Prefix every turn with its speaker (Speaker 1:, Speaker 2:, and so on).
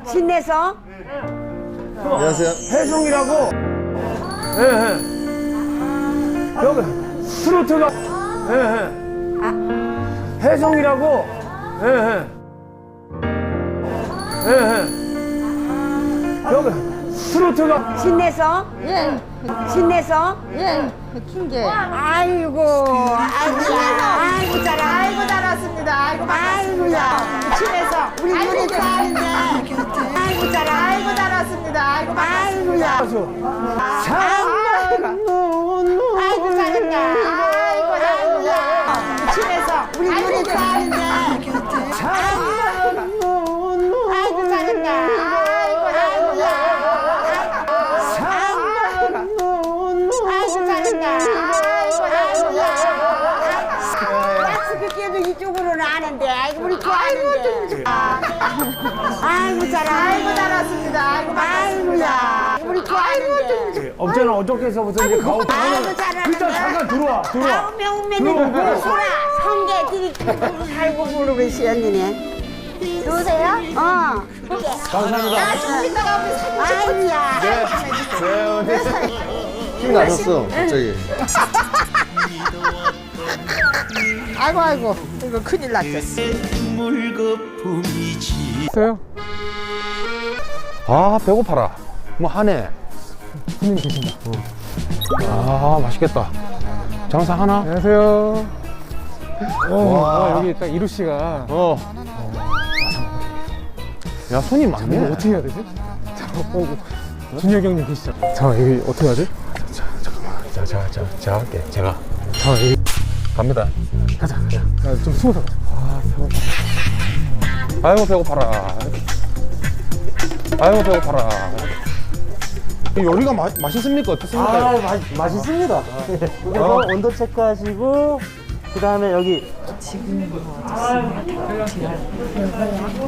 Speaker 1: 신내서?
Speaker 2: 안녕하세요.
Speaker 3: 해송이라고. 예, 예. 여기 트로트가. 예, 예. 해송이라고. 예, 예. 예, 예. 여기 트로트가.
Speaker 1: 신내서?
Speaker 4: 예,
Speaker 1: 신내서?
Speaker 4: 예, 킹게.
Speaker 1: 아이고, 아이고, 잘하.
Speaker 4: 아이고 잘했습니다. 아이고
Speaker 1: 아이고야.
Speaker 4: 집에서
Speaker 1: 우리 눈이 싸는데. 아이고, 잘하.
Speaker 4: 아이고 잘했습니다. 아이고
Speaker 1: 아이고야. 아이고, 잘했다.
Speaker 4: 아이고 아이고야. 집에서
Speaker 1: 우리 눈이 싸는데. 아이고, 잘했다. 아이고야. 아이고, 잘했다. 아이고야. 약속을 깨도 이쪽으로는 아는데. 아이고, 우리 좋아하는데. 아이고, 잘하.
Speaker 4: 아이고 잘했습니다.
Speaker 1: 아이고야. 우리 좋아하는데.
Speaker 3: 없잖아. 어저께서부터 이제 가오.
Speaker 1: 아이고, 잘하는데.
Speaker 3: 일단 잠깐 들어와.
Speaker 1: 아우, 명매는 소라. 성게 드리고 살고 부르고 있어요, 언니네.
Speaker 4: 누구세요?
Speaker 1: 어.
Speaker 3: 감사합니다.
Speaker 4: 좀 이따가 우리 사진
Speaker 1: 아이고야.
Speaker 2: 힘이 나셨어, 갑자기.
Speaker 4: 아이고 아이고 이거 큰일 났겠어.
Speaker 3: 있어요?
Speaker 2: 아, 배고파라. 뭐 하네.
Speaker 3: 손님 계신다.
Speaker 2: 아, 맛있겠다. 장사 하나?
Speaker 3: 안녕하세요.
Speaker 2: 와.
Speaker 3: 여기 딱 이루 씨가.
Speaker 2: 야, 손이
Speaker 3: 이거
Speaker 2: 많네.
Speaker 3: 어떻게 해야 되지? 준혁이 형님 계시죠? 잠깐 이거 어떻게 하지?
Speaker 2: 제가 할게. 제가.
Speaker 3: 잠깐 여기
Speaker 2: 갑니다.
Speaker 3: 가자. 좀 숨어서 가자. 아 배고파.
Speaker 2: 아이고, 배고파라. 아이고, 배고파라. 이 요리가 맛있습니까? 어떻습니까?
Speaker 3: 맛있습니다.
Speaker 5: 그래서 온도 체크하시고 그 다음에 여기